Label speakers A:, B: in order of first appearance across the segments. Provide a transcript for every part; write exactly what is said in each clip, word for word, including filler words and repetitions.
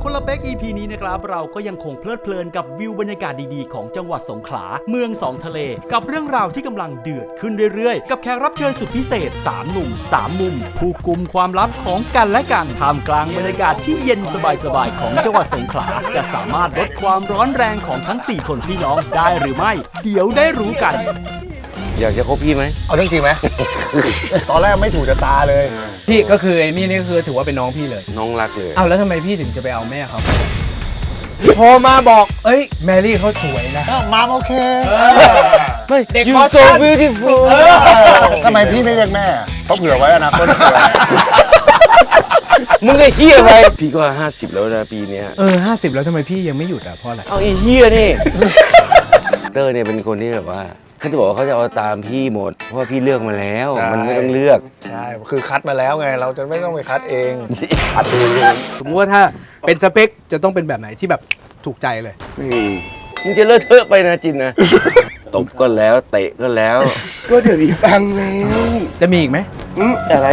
A: คนละเป๊ก อี พี นี้นะครับเราก็ยังคงเพลิดเพลินกับวิวบรรยากาศดีๆของจังหวัดสงขลาเมืองสองทะเลกับเรื่องราวที่กำลังเดือดขึ้นเรื่อยๆกับแขกรับเชิญสุดพิเศษสามหนุ่มสามมุมผู้กุมความลับของกันและกันท่ามกลางบรรยากาศที่เย็นสบายๆของจังหวัดสงขลาจะสามารถลดความร้อนแรงของทั้งสี่คนพี่น้องได้หรือไม่เดี๋ยวได้รู้กัน
B: อยากจะคบพี่ไหม
C: เอาเรื่องจริงไหม ตอนแรกไม่ถูกจะตาเลย
D: พี่ก็คือไอ้นี่นี่คือถือว่าเป็นน้องพี่เลย
B: น้องรักเลย
D: เอาแล้วทำไมพี่ถึงจะไปเอาแม่เขาพอมาบอกเอ้ยแมรี่เขาสวยนะ
C: มาโอเค
D: ไม่
B: เด็ก so beautiful
C: ทำไมพี่ไม่เรียกแม่เขาเผื่อไว้อนาคตเผื่อ
B: มึงไอ้เหี้ยไปพี่ก็ห้าสิบแล้วนะปีนี้
D: เออห้าสิบแล้วทำไมพี่ยังไม่หยุดอ่ะเพราะอะไร
B: เอาไอ้เหี้ยนี่เตอร์เนี่ยเป็นคนที่แบบว่าเขาจะบอกว่าเขาจะเอาตามพี่หมดเพราะว่าพี่เลือกมาแล้วมันไม่ต้องเลือก
C: ใช่คือคัดมาแล้วไงเราจะไม่ต้องไปคัดเอง
B: คัดเอง
D: สมมติว่าถ้าเป็นสเปคจะต้องเป็นแบบไหนที่แบบถูกใจเลย
B: มึงจะเลอะเทอะไปนะจินนะตบก็แล้วเตะก็แล้ว
C: ก็เดี๋ยวนี้ฟังแล้ว
D: จะมีอีกไหม
C: อืมอะไร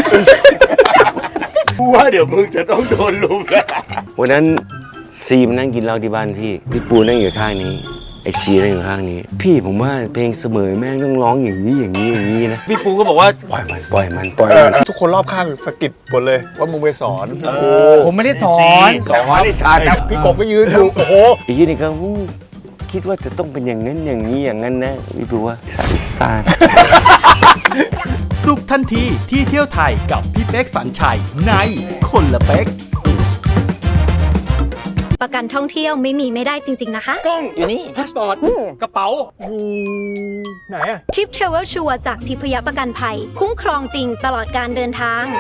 C: ว่าเดี๋ยวมึงจะต้องโดนลุมแล้ว
B: วันนั้นซีมนั่งกินเหล้าที่บ้านพี่พี่ปูนั่งอยู่ข้างนี้ไอชีนั่งอยู่ข้างนี้พี่ผมว่าเพลงเสมอแม่งต้องร้องอย่างนี้อย่างนี้อย่างนี้นะพี่ปูก็บอกว่าปล่อยมันปล่อยมันปล่อยมัน
C: ทุกคนรอบข้างสะกิดหมดเลยว่ามึงไปสอน
D: ผมไม่ได้สอน
B: สอนไม่ได้สอน
C: พี่กบก็ยืนดูโอ้โห
B: อีกทีนึงก็คิดว่าจะต้องเป็นอย่างนั้นอย่างนี้อย่างนั้นนะพี่ปูว่าสายซ่าน
A: สุขทันทีที่เที่ยวไทยกับพี่เป๊กสัญชัยในคนละเป๊ก
E: ประกันท่องเที่ยวไม่มีไม่ได้จริงๆนะคะ
A: กล้องอยู่นี่พาสปอร์ตกระเป๋าไหนอะ
E: ทิปเทรเวลชัวร์จากทิพยประกันภัยคุ้มครองจริงตลอดการเดินทาง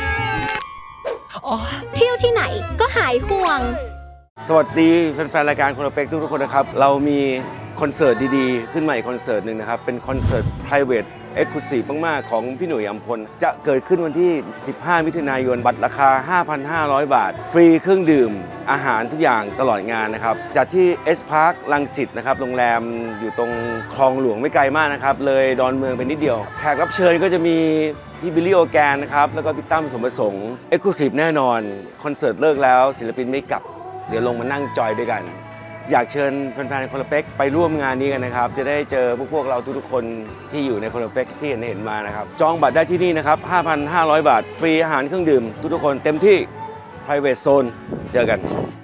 E: เที่ยวที่ไหนก็หายห่วง
B: สวัสดีแฟนๆรายการคนละเป๊กทุกๆคนนะครับเรามีคอนเสิร์ตดีๆขึ้นมาอีกคอนเสิร์ตหนึ่งนะครับเป็นคอนเสิร์ต private Exclusive มากๆของพี่หนุ่ยอัมพลจะเกิดขึ้นวันที่สิบห้ามิถุนายนบัตรราคา ห้าพันห้าร้อย บาทฟรีเครื่องดื่มอาหารทุกอย่างตลอดงานนะครับจัดที่ S Park รังสิตนะครับโรงแรมอยู่ตรงคลองหลวงไม่ไกลมากนะครับเลยดอนเมืองไปนิดเดียวแขกรับเชิญก็จะมีพี่บิลลี่โอแกนนะครับแล้วก็พี่ตั้มสมประสงค์ Exclusive แน่นอนคอนเสิร์ตเลิกแล้วศิลปินไม่กลับเดี๋ยวลงมานั่งจอยด้วยกันอยากเชิญแฟนๆคนละเป๊กไปร่วมงานนี้กันนะครับจะได้เจอพวกพวกเราทุกๆคนที่อยู่ในคนละเป๊กที่เห็นเห็นมานะครับจองบัตรได้ที่นี่นะครับ ห้าพันห้าร้อย บาทฟรีอาหารเครื่องดื่มทุกๆคนเต็มที่ private zone เจอกัน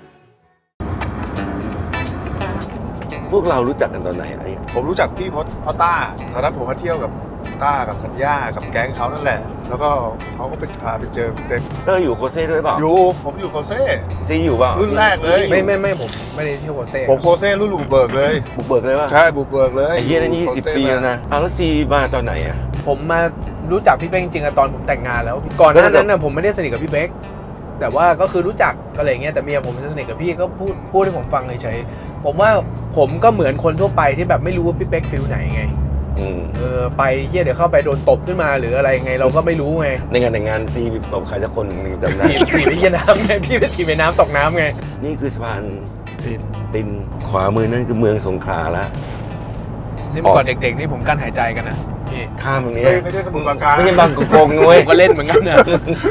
B: พวกเรารู้จักกันตอนไหนไอ้
C: ผมรู้จักพี่เพราะเพราะต้าตอนนั้นผมมาเที่ยวกับต้ากับธัญญากับแก๊งเขานั่นแหละแล้วก็เขาก็ไปพาไปเจอเด็ก
B: เตอร์อยู่โคเซ่ด้วยเปล่า
C: อยู่ผมอยู่โคเซ่
B: ซีอยู่เปล่า
C: รุ่นแรกเลย
D: ไม่ไม่ไม่ผมไม่ได้เที่ยวโคเซ่
C: ผมโคเซ่รุ่นบุกเบิกเลย
B: บุกเบิกเลยป่ะ
C: ใช่บุกเบิกเลย
B: ไอ้เหี้ยนั่นยี่สิบปีแล้วนะอ้าวแล้วซีมาตอนไหนอ่ะ
D: ผมมารู้จักพี่เป๊กจริงๆตอนผมแต่งงานแล้วก่อนหน้านั้นน่ะผมไม่ได้สนิทกับพี่เป๊กแต่ว่าก็คือรู้จักอะไรเงี้ยแต่เมียผมจะสนิทกับพี่ก็พูดพูดให้ผมฟังเฉยๆผมว่าผมก็เหมือนคนทั่วไปที่แบบไม่รู้ว่าพี่เป๊กฟิลไหนไงเออไปเฮียเดี๋ยวเข้าไปโดนตบขึ้นมาหรืออะไรไงเราก็ไม่รู้ไง
B: ในงานแต่งงานซีตบใครสักคนหนึ่งจำได้
D: ถีบไปเฮียน้ำไงพี่ไปถีบไปน้ำตกน้ำไง
B: นี่คือสะพานตินตินขวามือนั่นคือเมืองสงขลาละ
D: นี่เมื่อก่อนเด็กๆนี่ผมกั้นหายใจกันนะ
B: พี่ข้ามตรงนี้
C: ไม่ใช่สมุทรปราการ
B: ไม่ใช่บางกงนุ้ย
D: ก็เล่นเหมือนกันเนี่ย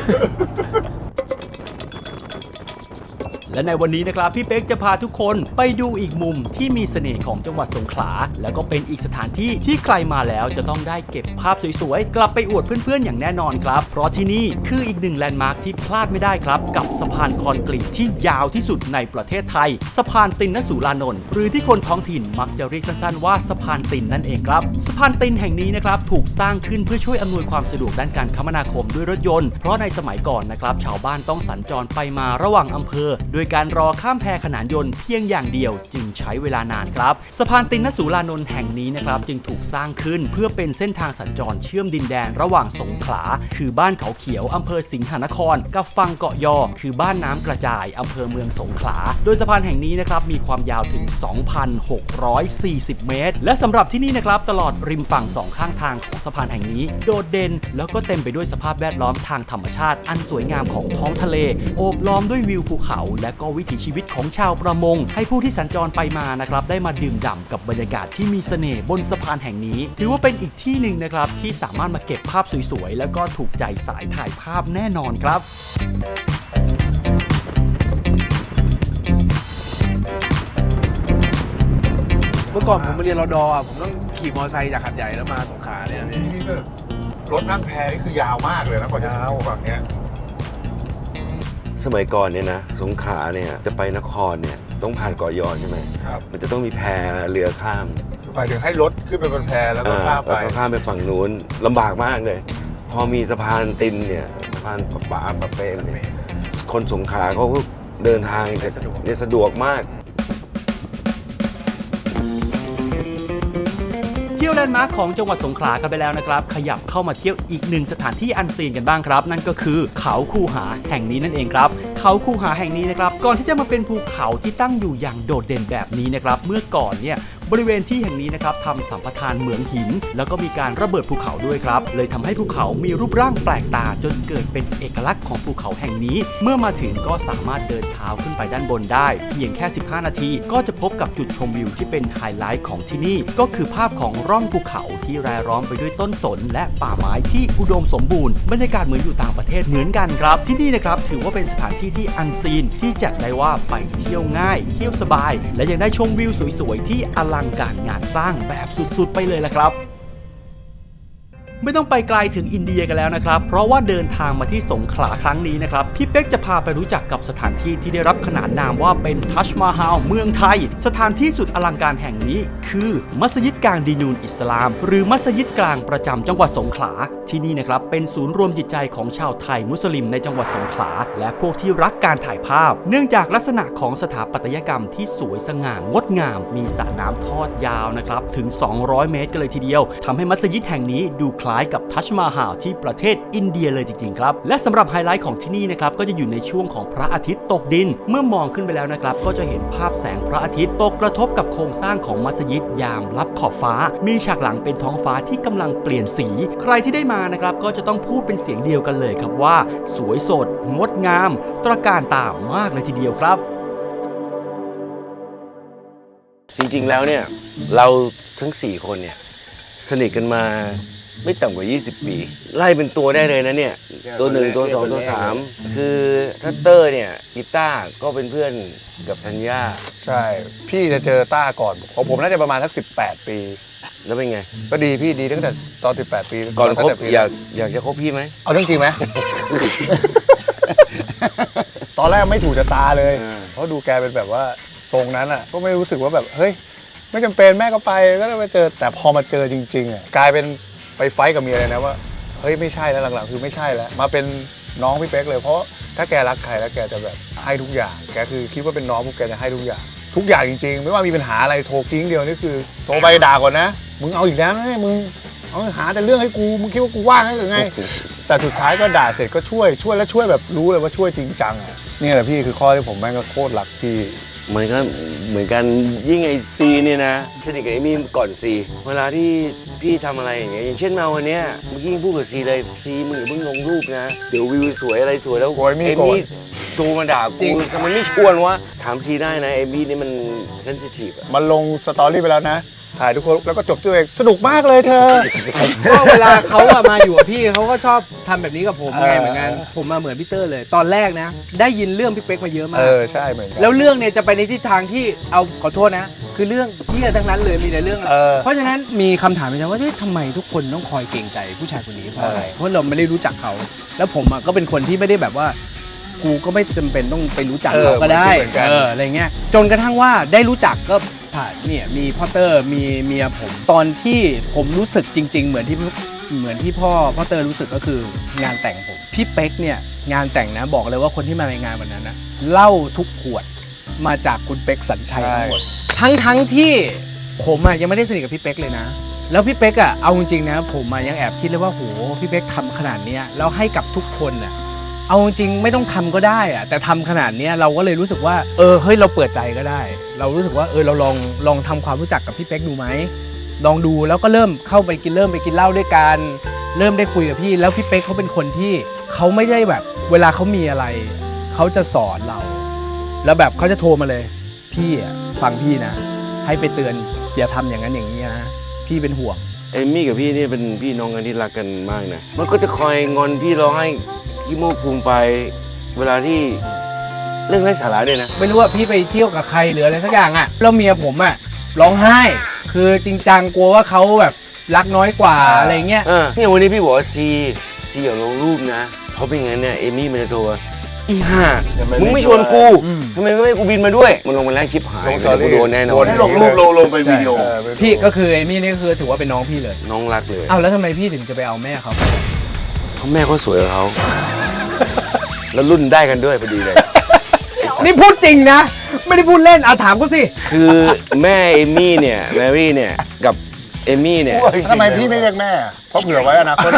A: และในวันนี้นะครับพี่เป๊กจะพาทุกคนไปดูอีกมุมที่มีเสน่ห์ของจังหวัดสงขลาแล้วก็เป็นอีกสถานที่ที่ใครมาแล้วจะต้องได้เก็บภาพสวยๆกลับไปอวดเพื่อนๆอย่างแน่นอนครับเพราะที่นี่คืออีกหนึ่งแลนด์มาร์คที่พลาดไม่ได้ครับกับสะพานคอนกรีตที่ยาวที่สุดในประเทศไทยสะพานตินนสุรานนท์หรือที่คนท้องถิ่นมักจะเรียกสั้นๆว่าสะพานตินนั่นเองครับสะพานตินแห่งนี้นะครับถูกสร้างขึ้นเพื่อช่วยอำนวยความสะดวกด้านการคมนาคมด้วยรถยนต์เพราะในสมัยก่อนนะครับชาวบ้านต้องสัญจรไปมาระหว่างอำเภอโดยการรอข้ามแพขนานยนต์เพียงอย่างเดียวจึงใช้เวลานานครับสะพานตินนสุรานนท์แห่งนี้นะครับจึงถูกสร้างขึ้นเพื่อเป็นเส้นทางสัญจรเชื่อมดินแดนระหว่างสงขลาคือบ้านเขาเขียวอำเภอสิงหนครกับฝั่งเกาะยอคือบ้านน้ำกระจายอำเภอเมืองสงขลาโดยสะพานแห่งนี้นะครับมีความยาวถึง สองพันหกร้อยสี่สิบ เมตรและสำหรับที่นี่นะครับตลอดริมฝั่งสองข้างทางของสะพานแห่งนี้โดดเด่นแล้วก็เต็มไปด้วยสภาพแวดล้อมทางธรรมชาติอันสวยงามของท้องทะเลโอบล้อมด้วยวิวภูเขาและก็วิถีชีวิตของชาวประมงให้ผู้ที่สัญจรไปมานะครับได้มาดื่มด่ำกับบรรยากาศที่มีเสน่ห์บนสะพานแห่งนี้ถือว่าเป็นอีกที่หนึ่งนะครับที่สามารถมาเก็บภาพสวยๆแล้วก็ถูกใจสายถ่ายภาพแน่นอนครับ
D: มื่อก่อนผมมาเรียนรอดอ่ะผมต้องขี่มอเตอร์ไซค์จากหัดใหญ่แล้วมาสงขลาเนี่ยพี่
C: นี่ก็รถนั่งแพนี่คือยาวมากเลยนะกว่าจะถึงฝั่งเนี้ย
B: สมัยก่อนเนี่ยนะสงขลาเนี่ยจะไปนครเนี่ยต้องผ่านเกาะยอใช่ไหม
C: ครับ
B: มันจะต้องมีแพเรือข้าม
C: หมายถึงให้รถขึ้นไปบนแพแล้วก็ข้ามไป
B: แล้วก็ข้ามไปฝั่งนู้นลำบากมากเลย พอมีสะพานตินเนี่ยสะพานปะปาปะเป้เนี่ยคนสงขลาเขาก็เดินทางจะเนี่ยสะดวกมาก
A: เที่ยวแลนด์มาร์คของจังหวัดสงขลากันไปแล้วนะครับขยับเข้ามาเที่ยวอีกหนึ่งสถานที่อันซีนกันบ้างครับ นั่นก็คือเขาคูหาแห่งนี้นั่นเองครับเขาคูหาแห่งนี้นะครับก่อนที่จะมาเป็นภูเขาที่ตั้งอยู่อย่างโดดเด่นแบบนี้นะครับเมื่อก่อนเนี่ยบริเวณที่แห่งนี้นะครับทำสัมปทานเหมืองหินแล้วก็มีการระเบิดภูเขาด้วยครับเลยทำให้ภูเขามีรูปร่างแปลกตาจนเกิดเป็นเอกลักษณ์ของภูเขาแห่งนี้เมื่อมาถึงก็สามารถเดินเท้าขึ้นไปด้านบนได้เพียงแค่สิบห้านาทีก็จะพบกับจุดชมวิวที่เป็นไฮไลท์ของที่นี่ก็คือภาพของร่องภูเขาที่รายล้อมไปด้วยต้นสนและป่าไม้ที่อุดมสมบูรณ์บรรยากาศเหมือนอยู่ต่างประเทศเหมือนกันครับที่นี่นะครับถือว่าเป็นสถานที่ที่อันซีนที่จัดได้ว่าไปเที่ยวง่ายเที่ยวสบายและยังได้ชมวิวสวยๆที่อลังการงานสร้างแบบสุดๆไปเลยล่ะครับไม่ต้องไปไกลถึงอินเดียกันแล้วนะครับเพราะว่าเดินทางมาที่สงขลาครั้งนี้นะครับพี่เป๊กจะพาไปรู้จักกับสถานที่ที่ได้รับขนานนามว่าเป็นทัชมาฮาลเมืองไทยสถานที่สุดอลังการแห่งนี้คือมัสยิดกลางดีนูนอิสลามหรือมัสยิดกลางประจำจังหวัดสงขลาที่นี่นะครับเป็นศูนย์รวมจิตใจของชาวไทยมุสลิมในจังหวัดสงขลาและพวกที่รักการถ่ายภาพเนื่องจากลักษณะของสถาปัตยกรรมที่สวยสง่างดงามมีสระน้ำทอดยาวนะครับถึงสองร้อยเมตรกันเลยทีเดียวทำให้มัสยิดแห่งนี้ดูคล้ายกับทัชมาฮาลที่ประเทศอินเดียเลยจริงๆครับและสำหรับไฮไลท์ของที่นี่นะครับก็จะอยู่ในช่วงของพระอาทิตย์ตกดินเมื่อมองขึ้นไปแล้วนะครับก็จะเห็นภาพแสงพระอาทิตย์ตกกระทบกับโครงสร้างของมัสยิดยามลับขอบฟ้ามีฉากหลังเป็นท้องฟ้าที่กำลังเปลี่ยนสีใครที่ได้มานะครับก็จะต้องพูดเป็นเสียงเดียวกันเลยครับว่าสวยสดงดงามตระการตามากเลยทีเดียวครับ
B: จริงๆแล้วเนี่ยเราทั้งสี่คนเนี่ยสนิทกันมาไม่ต่ำกว่ายี่สิบปีไล่เป็นตัวได้เลยนะเนี่ยตัวหนึ่งตัวสองตัวสามคือถ้าเตอร์เนี่ยกีตาร์ก็เป็นเพื่อนกับธัญญา
C: ใช่พี่จะเจอต้าก่อนของผมน่าจะประมาณสักสิบแปดปี
B: แล้วเป็นไง
C: ก็ดีพี่ดีตั้งแต่ตอนสิบแปดปี
B: ก่อนคบ
C: ตั้งแต่ปี
B: อยากอยากจะคบพี่ไหม
C: เอาเรื่องจริงไหม ตอนแรกไม่ถูกชะตาเลย เพราะดูแกเป็นแบบว่าทรงนั้นอ่ะก็ไม่รู้สึกว่าแบบเฮ้ยไม่จำเป็นแม่ก็ไปก็ได้มาเจอแต่พอมาเจอจริงๆอ่ะกลายเป็นไปไฟท์กับเมียเลยนะว่าเฮ้ยไม่ใช่แล้วหลังๆคือไม่ใช่แล้วมาเป็นน้องพี่เป๊กเลยเพราะถ้าแกรักใครแล้วแกจะแบบให้ทุกอย่างแกคือคิดว่าเป็นน้องพวกแกจะให้ทุกอย่างทุกอย่างจริงๆไม่ว่ามีปัญหาอะไรโทรกิ้งเดียวนี่คือโทรไปด่าก่อนนะมึงเอาอีกแล้วนะเนี่ยมึงเอาหาแต่เรื่องให้กูมึงคิดว่ากูว่างหรือไงแต่สุดท้ายก็ด่าเสร็จก็ช่วยช่วยแล้วช่วยแบบรู้เลยว่าช่วยจริงจังอ่ะนี่แหละพี่คือข้อที่ผมแม่งก็โคตรรักพี่
B: มันก็เหมือนกันยิ่งไอซีเนี่ยนะสนิทกับไอมี่ก่อนซีเวลาที่พี่ทำอะไรอย่างเงี้ยอย่างเช่นมาวันเนี้ยเมื่อกี้พูดกับซีเลยซีมึงอย่าเพิ่งลงรูปนะเดี๋ยววิวสวยอะไรสวยแล้ว
C: โอ้ยมี่
B: ไอ
C: โกรธ
B: มี่โทรมาด่ากูทำไมไม่ชวนวะถามซีได้นะไอมี่นี่มันเซนซิทีฟอะ
C: มันลงสตอรี่ไปแล้วนะถ่ายทุกคนแล้วก็จบตัวเองสนุกมากเลยเธอ
D: ก็เวลาเขาอะมาอยู่กับพี่เขาก็ชอบทำแบบนี้กับผมไง
C: เออ
D: เหมือนกันผมมาเหมือนพี่เตอร์เลย ตอนแรกนะ ได้ยินเรื่องพี่เป๊กมาเยอะมา
C: เอก อใช่เหมือนกัน
D: แล้วเรื่องเนี่ยจะไปในทิศทางที่เอาขอโทษนะ คือเรื่องเหี้ยทั้งนั้นเลยมีแต่เรื่อง
C: เออ
D: เพราะฉะนั้นมีคำถามในใจว่าเฮ้ยทำไมทุกคนต้องคอยเกรงใจผู้ชายคนนี้เพราะอะไร
C: เออ
D: เพราะเราไม่ได้รู้จักเขา แล้วผมอะก็เป็นคนที่ไม่ได้แบบว่า กูก็ไม่จำเป็นต้องไปรู้จักเขาก็ได้
C: เหมือนกัน
D: เอออะไรเงี้ยจนกระทั่งว่าได้รู้จักก็ผ่านเนี่ยมีพ่อเตอร์มีเมียผมตอนที่ผมรู้สึกจริง ๆ เหมือนที่เหมือนที่พ่อพ่อเตอร์รู้สึกก็คืองานแต่งผมพี่เป๊กเนี่ยงานแต่งนะบอกเลยว่าคนที่มาในงานวันนั้นนะเหล้าทุกขวดมาจากคุณเป๊กสัญชัยทั้งหมดทั้งทั้งที่ผมอะยังไม่ได้สนิทกับพี่เป๊กเลยนะแล้วพี่เป๊กอะเอาจริงๆนะผมอะยังแอบคิดเลยว่าโหพี่เป๊กทำขนาดเนี้ยแล้วให้กับทุกคนอะเอาจริงไม่ต้องทำก็ได้อะแต่ทำขนาดนี้เราก็เลยรู้สึกว่าเออเฮ้ยเราเปิดใจก็ได้ เรารู้สึกว่าเออเราลองลองทำความรู้จักกับพี่เป๊กดูไหมลองดูแล้วก็เริ่มเข้าไปกินเริ่มไปกินเหล้าด้วยกันเริ่มได้คุยกับพี่แล้วพี่เป๊กเขาเป็นคนที่เขาไม่ได้แบบเวลาเขามีอะไรเขาจะสอนเรา แล้วแบบเขาจะโทรมาเลยพี่อะฟังพี่นะให้ไปเตือนอย่าทำอย่างนั้นอย่างนี้นะพี่เป็นห่วง
B: เอมี่กับพี่นี่เป็นพี่น้องกันที่รักกันมากนะมันก็จะคอยงอนพี่ร้องให้ขี้มูกภูมิไปเวลาที่เรื่องไร้สาระด้วยนะ
D: ไม่รู้ว่าพี่ไปเที่ยวกับใครหรืออะไรสักอย่างอะแล้วเมียผมอะร้องไห้คือจริงจังกลัวว่าเขาแบบรักน้อยกว่าอะไรเงี้ย
B: เออเนี่ยวันนี้พี่บอกว่าซีซีอย่าลงรูปนะเพราะเป็นงั้นเนี่ยเอมี่มันจะโทรว่าอีห่ามึงไม่ชวนกูทำไมไม่ให้กูบินมาด้วยมันลงมาแล้วชิปหาย
C: ลงสตอรี่
B: กูโดนแน่นอ
C: โด
B: น
C: น
F: ให้ลงรูปลงลงเป็นวิดีโอ
C: เออเป็น
D: พี่ก็คือเอมี่นี่ก็คือถือว่าเป็นน้องพี่เลย
B: น้องรักเลย
D: อ้าวแล้วทำไมพี่ถึงจะไปเอาแม่เขา
B: เพราะแม่เขาสวยกว่าเขาแล้วรุ่นได้กันด้วยพอดีเลย
D: นี่พูดจริงนะ ไม่ได้พูดเล่นเอาถามกูสิ
B: คือแม่เอมี่เนี่ยแมรี่เนี่ยกับเอมี่เนี่ย
C: ทำไมพี่ไม่เรียกแม่เพราะเผื่อไว้อนาคต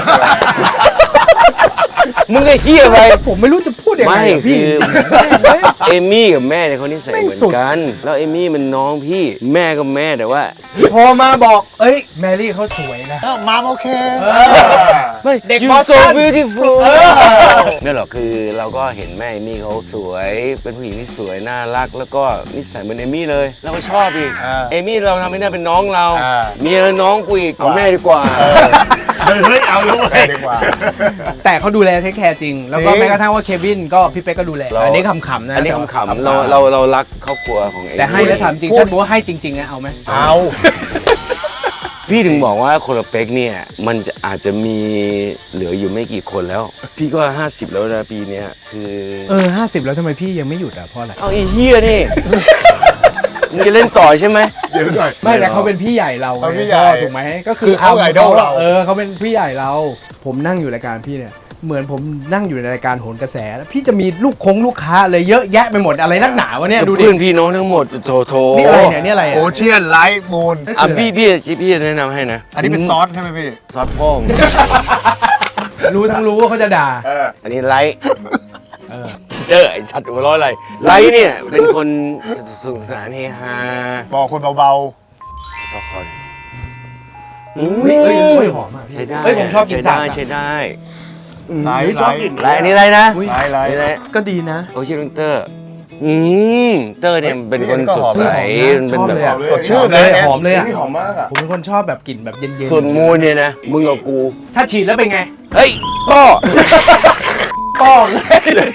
B: มึงไอ้เหี้ยไป
D: ผมไม่รู้จะพูดยังไง
B: ไม่
D: อะ
B: คื
D: พี่
B: อเอมี่กับแม่เนี่ยเขานิสัย
D: ไม่
B: เหมือ
D: สุด
B: นกัน แล้วเอมี่มันน้องพี่แม่ก็แม่แต่ว่า
D: พอมาบอกเอ้ยแมรี่เขาสวยนะ
C: เอ้ามามโอเค
B: ไม่
D: เด็ก
B: You
D: บอสตั
B: so
D: น
B: beautiful เนี่ยหรอกคือเราก็เห็นแม่เอมี่เขาสวยเป็นผู้หญิงที่สวยน่ารักแล้วก็นิสัยเหมือนเอมี่เลยเราก็ชอบอีก
C: อ่า
B: เอมี่เราทำให้ได้เป็นน้องเรา
C: อ่า
B: เมียน้องกูอีกเอาแม่ดีกว่า
F: เฮ้ยเอาแล้ว
C: แม่ดีกว่า
D: แต่เขาดูแลเทคแคร์จริง แล้วก็
C: จริง
D: แม้กระทั่งว่าเควินก็พี่เป๊กก็ดูแล
B: เรา
D: อันนี้ขำๆนะ
B: อันนี้ขำๆเราเราเรารักครอบครัวของเอมี่
D: แต่ให้แล้วถามจริงถ้าบอกว่าให้จริงๆนะเอาไหม
C: เอา
B: พี่ถึงบอกว่าคนละเป๊กเนี่ยมันจะอาจจะมีเหลืออยู่ไม่กี่คนแล้ว พี่ก็ห้าสิบแล้วนะปีเนี้ยคือ
D: เออห้าสิบแล้วทำไมพี่ยังไม่หยุดอ่ะเพราะอะไร
B: เอาไอ้เฮียนี่ มึงจะเล่นต่อใช่ไหม
F: เดี๋ยวก่อน
D: ไม่แต่เขาเป็นพี่ใหญ่เรา
C: เขา
D: ไง
C: พี่ใหญ่
D: พ่อถูกไหมก็คือ
C: คือเขาไอดอลเรา
D: เออเขาเป็นพี่ใหญ่เรา ผมนั่งอยู่รายการพี่เนี่ยเหมือนผมนั่งอยู่ในรายการโหนกระแสแล้วพี่จะมีลูกคงลูกค้าอะไรเยอะแยะไปหมดอะไรนักหนาวะเนี่ยดูดิ
B: เพื่อนพี่น้องทั้งหมดโถโถ
D: นี่อะไรเนี่ยนี่อะไร
C: โอ
D: อ่ะ
C: เชียนไลท์มูน
B: อ่ะพี่พี่พี่จะแนะนำให้นะ
C: อันนี้เป็นซอสใช่ไหมพี่
B: ซอสพ่อง
D: รู้ทั้งรู้ว่าเขาจะด่า
F: เออ
B: อันนี้ไลท์
D: เออ
B: เออไอสัตว์หัวเร้อยอะไรไลท์เนี่ยเป็นคนสนุกสนานเฮฮา
C: บอกคนเบา
B: ซอสคอน
D: เฮ้ยเฮ้ยเฮ้ยหอมอ่ะพี่
B: ใช้ได้
D: เฮ้ยผมชอบกิน
B: ใช้
D: สา
B: ได้
D: บ
B: ใช้ได้
C: ๆไลท์
F: ชอบกิน
B: ไลท์อันนี้อะไรนะ
D: อุ๊ย
C: ไลท์ไล
B: อัน
C: ท์
B: นี้อะไร
D: ก็ดีนะ
B: โอชิลเตอร์อืมเตอร์เนี่ยเป็นคนสดใส
D: เฮ้ย
B: มันเป็นแบบ
D: ชอบเลยอะ
C: สดชื่น
D: เล
C: เลย ย
D: หอมเลยอ่ะ
F: นี่หอมมากอ่ะ
D: ผมเป็นคนชอบแบบกลิ่นแบบเย็นๆ
B: ส่วนมูลเนี่ยนะมึงกับกู
D: ถ้าฉีดแล้วเป็นไง
B: เฮ้ยก็
D: ป้องเลย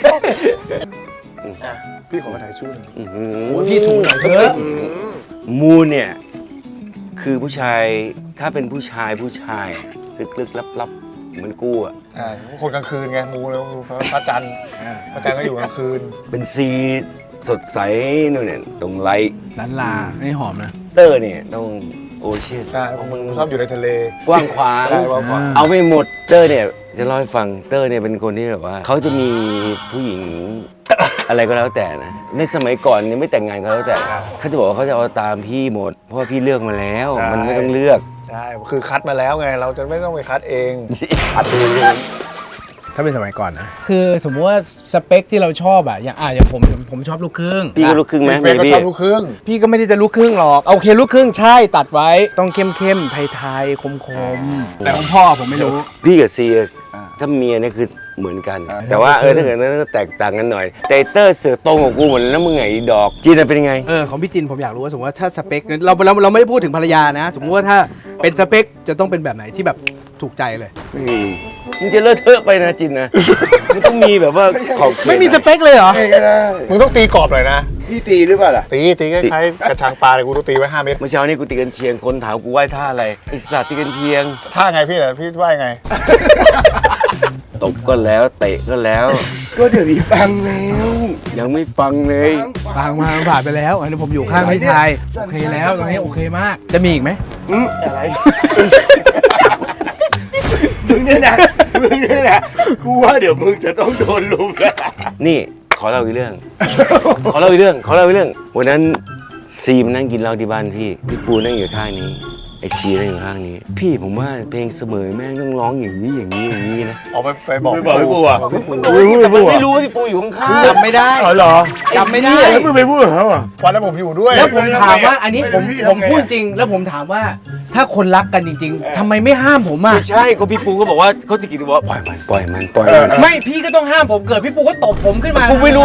C: พี่ขอมาถ่ายชุดหนึ่ง
B: อื้อหื
D: โอ้ยพี่ถูกหน่อยเถอะ
B: มูลเนี่ยคือผู้ชายถ้าเป็นผู้ชายผู้ชายลึกๆลับๆเหมือนกูอ่ะ
C: ใช่คนกลางคืนไงมูแล้วพระจันทร์พระจันทร์ก็อยู่กลางคืน
B: เป็นซีสดใสนู่นเนี่ยตรงไลท์
D: ลันลาไม่หอมนะ
B: เตอร์เนี่ยต้องโอเชียน
C: ใช่ผมชอบอยู่ในทะเล
B: กว้างขวาง
C: ใช่กว้างขวาง
B: เอาไม่หมดเตอร์เนี่ยจะเล่าให้ฟังเตอร์เนี่ยเป็นคนที่แบบว่าเขาจะมีผู้หญิง อะไรก็แล้วแต่นะในสมัยก่อนเนี่ยไม่แต่งงานก็แล้วแต่เขาจะบอกว่าเขาจะเอาตามพี่หมด เพราะว่าพี่เลือกมาแล้ว
C: ใช่
B: มันไม่ต้องเลือก
C: ใช่คือคัดมาแล้วไง เราจะไม่ต้องไปคัดเอง
D: ถ้าเป็นสมัยก่อนนะคือสมมติว่าสเปคที่เราชอบอะอย่างอ่ะอย่างผมผมชอบลูกครึ่ง
B: พี่ก็ลูกครึ่งไหม
C: เบ
B: เบ
C: ก็
B: บี้
C: ชอบลูกครึ่ง
D: พี่ก็ไม่ได้จะลูกครึ่งหรอกโอเคลูกครึ่งใช่ตัดไว้ต้องเข้มเข้มๆไทยไทยคมคมๆแต่ของพ่อผมไม่รู้
B: พี่กับซีถ้าเมียเนี่ยคือเหมือนกัน แต่ว่าเออถ้าเกิดนั้นก็แตกต่างกันหน่อยแต่เตอร์เสือตรงของกูหมดแล้วมึงไงอีดอกจีนเป็นยังไง
D: เออของพี่จินผมอยากรู้ว่าสมมติว่าถ้าสเปคเราเราเราไม่ได้พูดถึงภรรยานะ สมมติว่าถ้าเป็นสเปคจะต้องเป็นแบบไหนที่แบบถูกใจเลย
B: อืมมึงจะเลอะเทอะไปนะจินนะมึงต้องมีแบบว่าขอบเขต
D: ไม่มีสเปคเลยเหรอ
F: ไม่ก็ได้
C: มึงต้องตีกรอบหน่อยนะ
F: พี่ตีหรือเปล่าล่ะ
C: ตีตีคล้ายๆกระชังปลาเลยกูต้องตีไว้ห้าเมตร
B: เมื่อเช้านี้กูตีกันเชียงคนถามกูไหว้ท่าอะไรไอ้สัตว์ตีกันเชียง
C: ท่าไงพี่เนี่ยพี่ว่ายังไง
B: ตบก็แล้วเตะก็แล้ว
F: ก็เดี๋ยวนี้ฟังแล้ว
B: ยังไม่ฟังเลย
D: ฟังมาผ่านไปแล้วอันนี้ผมอยู่ข้างพี่ชายโอเคแล้วตรงนี้โอเคมาก จะมีอีกไหม
F: อืมอะไรมึงเนี่ยนะมึงเนี่ยนะกูว่าเดี๋ยวมึงจะต้องโดนลุมแล้ว
B: นี่ขอเล่าอีกเรื่อง ขอเล่าอีกเรื่อง ขอเล่าอีกเรื่อง วันนั้นซีมนั่งกินเหล้าที่บ้านพี่ พี่ปูนั่งอยู่ข้างนี้ ไอชีนั่งอยู่ข้างนี้ พี่ผมว่าเพลงเสมอแม่งต้องร้องอย่างนี้อย่างนี้อย่างนี้นะ
C: ออกไปไปบอก
F: ไม่บอกให้กูอ่ะ
B: แต่มันไม่รู้ว่าพี่ปูอยู่ข้างๆ
D: จำไม่ได้
F: อ๋อเหรอ
D: จำไม่ได้
F: แล้วมึงไปพูดกับเขาอ่ะ
C: วันนั้นผมอยู่ด้วย
D: แล้วผมถามว่าอันนี้ผม
F: ไม่ได้
D: ผม
F: ทำไง
D: พูดจริง แล้วผมถามว่าถ้าคนรักกันจริง ๆทำไมไม่ห้ามผมอ่ะ
B: ไม่ใช่ก็พี่ปูก็บอกว่าเขาจะกินบอกว่าปล่อยมันปล่อยมันปล่อยมัน
D: ไม่พี่ก็ต้องห้ามผมเกิดพี่ปูก็ตบผมขึ้นมา
B: กูไม่รู้ไง
D: ทำอะ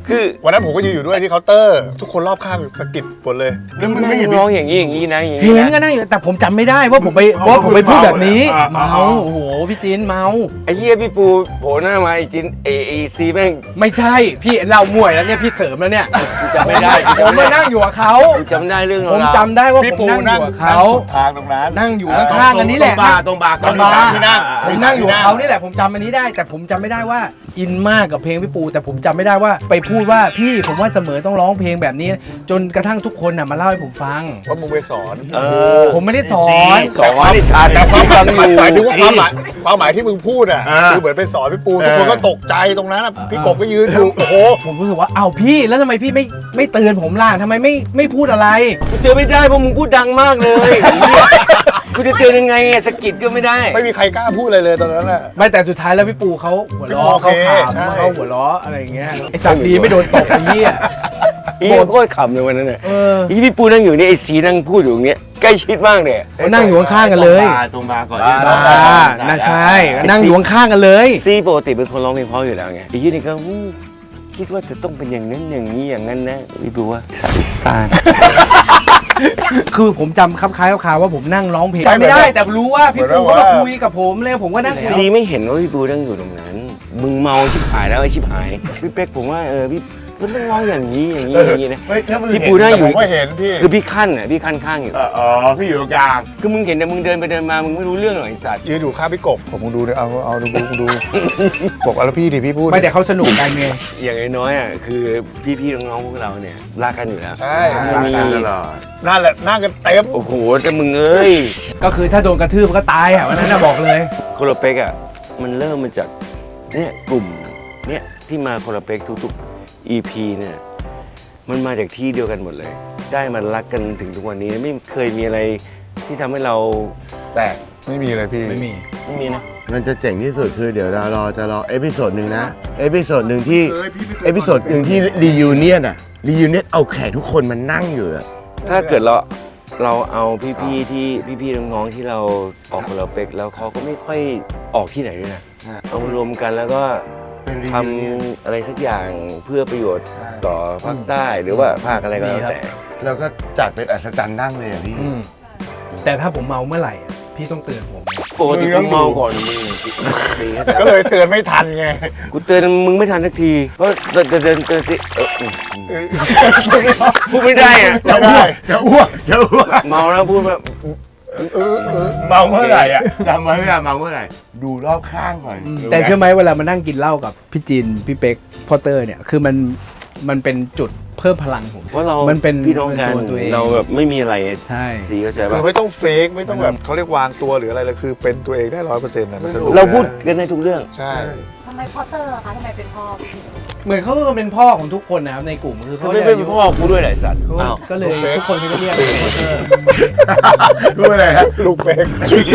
B: คือ
C: วันนั้นผมก็ยืนอยู่ด้วยที่เคาน์เตอร์ ทุกคนรอบข้างสะกิดหมดเลย
B: แล้วมึงไม่เห็นร้องอย่างนี้อย่างนี้นะอย่าง
D: เห็
B: นี้
D: นก็
B: นะ
D: นั่งอยู่แต่ผมจำไม่ได้ว่าผมไปว่าผมไปพูดแบบนี้
F: อ่า
D: เมาโอ้โหพี่จีนเมา
B: ไอ้เหี้ยพี่ปูโผล่หน้ามาไอ้จินเอเอซีแม่ง
D: ไม่ใช่พี่เล่ามวยแล้วเนี่ยพี่เสริมแล้วเนี่ย
B: จำไม่ได้
D: ผมมานั่งอยู่กับเขา
B: กูจำได้เรื่อง
D: ผม
B: ราว
D: จำได้ว่า
C: พี่
D: ผม
C: ปู
D: นั่งอ
C: นั่ง
D: ยู่กับ
C: นั่
D: เขา
C: งสุดทางตรงนั้น
D: นั่งอยู่ข้างๆกันนี้แหละ
F: ตรงบาร์ตรงบาร์
D: ตรงบาร์
C: ที่นั่ง
D: ผมนั่งอยู่กับเขานี่แหละผมจำอันนี้ได้ แต่ผมจำไม่ได้ว่าอินมากกับเพลงพี่ปู แต่ผมจำไม่ได้ว่าไปพูดว่าพี่ผมว่าเสมอต้องร้องเพลงแบบนี้ จนกระทั่งทุกคนน่ะมาเล่าให้ผมฟัง
C: ว่ามึงไปสอน
B: เออ
D: ผมไม่ได้สอน
B: สองไอ้สาร
C: แต่ความ
B: ฟังอ
C: หมาย
B: ยู่
C: หมายถึงว่าความหมายความหมายที่มึงพูดอ่ะ
F: อ่า
C: คือเหมือนไปสอนพี่ปูทุกคนก็ตกใจตรงนั้นอะพี่กบก็ยืนอยู่โอ้โห
D: ผมรู้สึกว่าอ้าวพี่แล้วทำไมพี่ไม่ไม่เตือนผมล่ะทำไมไม่ไม่พูดอะไร
B: กูเตือนไม่ได้เพราะมึงพูดดังมากเลยกูจะเตือนยังไงอะสะกิดก็ไม่ได้
C: ไม่มีใครกล้าพูดอะไรเลยตอนนั้นอ่ะ
D: ไม่แต่สุดท้ายแล้วพี่ปูเขาหัวเราะ
C: โอเค
D: เขาข
C: ใช่
D: ำเขาหัวเราะอะไรอย่างเงี้ยไอ้สัตว์ดีไม่โดนตกไอ้เหี้ย
B: อีโคตรขำเลยวันนั้นน่ะ
D: เออ
B: อีพี่ปูนั่งอยู่นี่ไอ้สีนั่งพูดอยู่อย่างเงี้ยใกล้ชิดมากเลย
D: เขานั่งอยู่ข้างๆกันเลย
F: ตรงบาร์ก่อน
D: อ่าน่าใช่นั่งอยู่ข้างๆกันเลย
B: ซีปกติเป็นคนร้องเพลงเพราะอยู่แล้วไงไอ้ยี่นี่ก็อู้คิดว่าจะต้องเป็นอย่างนั้นอย่างนี้อย่างนั้นนะพี่ปูว่าสายซ่าน
D: คือผมจำคล้ายๆคร่าวๆว่าผมนั่งร้องเพลง
C: จำ
D: จำไม่ได้
C: ได้
D: แต่รู้ว่าพี่ปูก็มาคุยกับผมเลยผมก็นั่งคุย
B: ซีไม่เห็นว่าพี่ปูนั่งอยู่ตรงนั้น มึงเมาชิบหายแล้วไอ้ชิบหายพี่เป๊กผมว่าเออพี่มันต้องร้องอย่างนี้อย่างนี้อย่างนี้นะ
C: เฮ้ยถ้ามึง
B: พี่
C: เห็น
B: ปูนั่งอยู่
C: ผมก็เห็นพี่
B: คือพี่ขั้นอ่ะพี่ขั้นข้างอยู่
F: อ๋อพี่อยู่ตรงกลาง
B: คือมึงเห็นแต่มึงเดินไปเดินมามึงไม่รู้เรื่องหรอกไอ้สัตว์
C: ยืนอยู่ข้างพี่กบผมมึงดูเนี่ยเอาเอาดูดูดูบอกเอาแล้วพี่ดิพี่พูด
D: ไม่แต่เขาสนุกกันไง
B: อย่างน้อยๆอ่ะคือพี่ๆน้องๆพวกเราเนี่ยรักกันอยู่แล้ว
C: ใช่
B: ไม่มี
F: ตลอด
C: นั่นแหละนั่งกันเต็ม
B: โอ้โหแต่มึงเอ้ย
D: ก็คือถ้าโดนกระทืบก็ตายอ่ะวันนั้นน่ะบอกเลย
B: โคโลเป็กอ่ะมันเริ่มมาจากเนี่ยกลุ่มเนี่ยที่มาโคโลเป็กทุกๆ อี พี เนี่ยมันมาจากที่เดียวกันหมดเลย ได้มันรักกันถึงทุกวันนี้ไม่เคยมีอะไรที่ทำให้เราแตก
C: ไม่มีเลยพี่
D: ไม่มี
B: ไม่มีนะ
F: มันจะเจ๋งที่สุดคือเดี๋ยวเรารอจะรอเอพิโซดหนึ่งนะ เอพิโซดหนึ่งที่
C: เคยพี่ไม่เคย
F: เอพิโซดหนึ่งที่รียูเนียนอะรียูเนียนเอาแขกทุกคนมานั่งอยู่อะ
B: ถ้าเกิดเราเราเอาพี่ๆที่พี่ๆน้องๆที่เราออกโคโลเป็กแล้วเขาก็ไม่ค่อยออกที่ไหนด้วยนะเอามารวมกันแล้วก็
F: เป็นรี
B: ท
F: ยูเนียน
B: ำอะไรสักอย่างเพื่อประโยชน์ต่อภาคใต้หรือว่าภาคอะไรก็แล้วแต่
F: แล้วก็จัดเป็นอัศจรรย์นั่งเลยอะพี่
D: อืมแต่ถ้าผมเมาเมื่อไหร่อ่ะพี่ต้องเตือนผม
B: ปกติกูเมาก่อนมึง
C: ก็เลยเตือนไม่ทันไง
B: กูเตือนมึงไม่ทันสักทีเพราะเตือนเตือนเตือนเตือนสิเอออืมพูดไม่ได้อะ
F: จะอ้วกจะอ้วกจะอ้วก
B: เมาแล้วพูดแบบ
C: เออเออ
F: เมาเมื่อไหร่อะจำไว้เวลาเมาเมื่อไหร่ดูรอบข้างก่อน
D: แต่เชื่อไหมเวลามานั่งกินเหล้ากับพี่จินพี่เป๊กพ่อเตอร์เนี่ยคือมันมันเป็นจุดเพิ่มพลังผม
B: เพราะเรา
D: มันเป็น
B: พี่น้องกัน
D: เป็นตัวตัวเอง
B: เราแบบไม่มีอะไร
D: ใช่
B: สีเข้าใจ
C: คื
B: ป่ะ
C: อไม่ต้องเฟกไม่ต้องแบบเขาเรียกวางตัวหรืออะไรเลยคือเป็นตัวเองได้ร้อยเปอร์เซ็นต์นะมันสนุก
B: เราพูดกันในทุกเรื่อง
C: ใช่
G: ทำไมพอเตอร์อะคะทำไมเป็นพ่อพี่
D: เหมือนเขาก็เป็นพ่อของทุกคนนะครับในกลุ่มคือ
B: เขา
D: เขา
B: ไม่
D: จะ
B: เป็นพ่อกูด้วยแหละไอ้สัตว์
D: เขา
B: อ้าว
D: ก็เลยทุกคนเขาจะเรียกพ่อเตอร์
C: รู้อะไรฮะลูกเป๊ก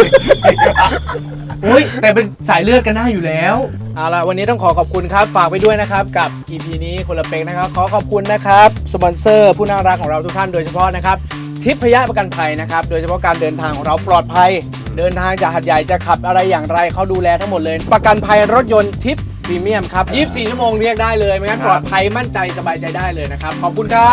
D: อุ้ยแต่เป็นสายเลือดกันหน้าอยู่แล้วเอาล่ะวันนี้ต้องขอขอบคุณครับฝากไปด้วยนะครับกับ อี พี นี้คนละเป็กนะครับขอขอบคุณนะครับสปอนเซอร์ผู้น่ารักของเราทุกท่านโดยเฉพาะนะครับทิพยประกันภัยนะครับโดยเฉพาะการเดินทางของเราปลอดภัยเดินทางจากหัดใหญ่จะขับอะไรอย่างไรเขาดูแลทั้งหมดเลย ประกันภัยรถยนต์ทิพพรีเมียมครับยี่สิบสี่ชั่วโมงเรียกได้เลยไม่งั้นปลอดภัยมั่นใจสบายใจได้เลยนะครับขอบคุณครับ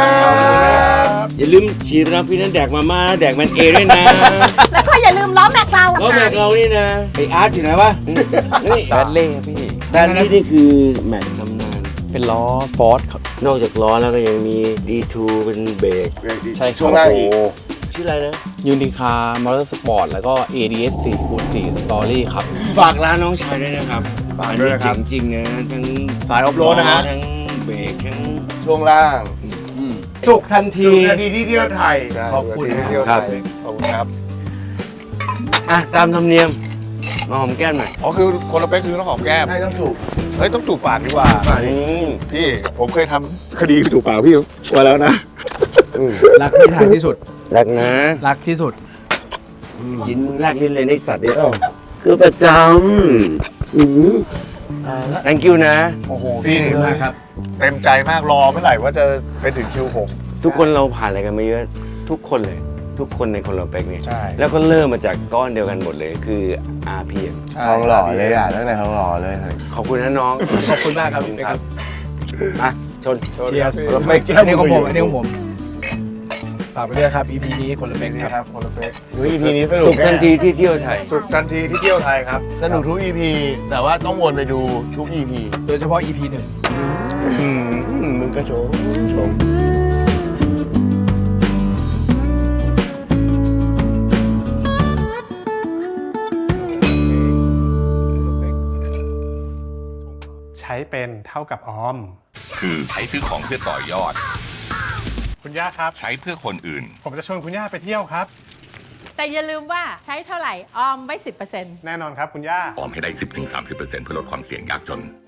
B: อย่าลืมฉีดน้ำฟินันแดกมาม่าแดกมันเอด้วยนะ
G: แล้วก็อย่าลืมล้อแม็กเรา
B: แล้วแม็กเรานี่นะ
D: ไออาร์ตอยู่ไหนวะ
B: นี่
D: แบดเล่พี่
B: แบรนด์นี้นี่คือแม็กตำนาน
D: เป็นล้อฟอร์ดครับ
B: นอกจากล้อแล้วก็ยังมี ดี ทู เป็นเบรก
D: ใช่ครับ
F: ช่วงล่างอีก
B: ชื่ออะไรนะ
H: ยูนิคาร์มอเตอร์สปอร์ตแล้วก็ เอ ดี เอส สี่คูณสี่สตอรี่ครับ
B: ฝากร้านน้องชายด้วยนะครับ
C: ฝากด้วยนะครับ
B: อันนี้เจ๋งจริงนะทั้ง
C: สายออฟโรดนะฮะ
B: ทั้งเบรกทั้ง
F: ช่วงล่าง
D: สุขทันที
F: สุขนาทีที่เที่ยวไทย
C: ใช่
D: ขอบคุณ
C: ที่เที่ยวไทยขอบคุณครับ
B: อ่ะตามธรรมเนียมมาหอมแก้มหน่อย
C: อ๋อคือคนละเป๊กคือต้องหอมแก้ม
F: ให้ต้องถูก
C: เฮ้ยต้องจูบปากดีกว่า
B: อืม
C: พี่ผมเคยทำคดีจูบปากพี่มาแล้วนะ
D: รักที่ทางที่สุด
B: รักนะ
D: รักที่สุด
B: กินมึงแรกลิ้นเลยในสัตว์เนี่ยคือประจำอืม thank you นะ
C: โอ้โหพี่
D: มากครับ
C: เต็มใจมากรอเมื่อไหร่ว่าจะเป็นถึงคิวผม
B: ทุกคนเราผ่านอะไรกันมาเยอะ ทุกคนเลย ทุกคนในคนเราเป็กเนี่ย
C: ใช่
B: แล้วก็เริ่มมาจากก้อนเดียวกันหมดเลยคือ อาร์ พี เอ็ม
C: ใช่
F: ทองหล่อเลยอ่ะตั้งแต่ทองหล่อเลย
B: ขอบคุณนะน้อง
D: ขอบคุณมากครับ
B: ครับอ่ะชน
D: เชียร์
C: ครับ
D: ไม่อันนี้ของผมอันนี้ของผมฝากไปด้วยครับ อี พี นี้คนละเป็ก
C: นี่
D: ครับ
C: ครับคนละเป๊กดู อี พี นี้สนุ
B: สุ
C: ก
B: ขทันทีที่เที่ยวไทย
C: สุขทันทีที่เที่ยวไทยครับสนุกทุก อี พี แต่ว่าต้องวนไปดูทุก อี พี
D: โดยเฉพาะ อี พี หนึ่ง
C: อืมมึงก็โชว์โชว์
I: ใช้เป็นเท่ากับออม
J: คือใช้ซื้อของเพื่อต่อยอด
I: คุณย่าครับ
J: ใช้เพื่อคนอื่น
I: ผมจะชวนคุณย่าไปเที่ยวครับ
G: แต่อย่าลืมว่าใช้เท่าไหร่ ออมไว้สิบเปอร์เซ็นต์
I: แน่นอนครับคุณย่า
J: ออมให้ได้ สิบถึงสามสิบเปอร์เซ็นต์ เพื่อลดความเสี่ยงยากจน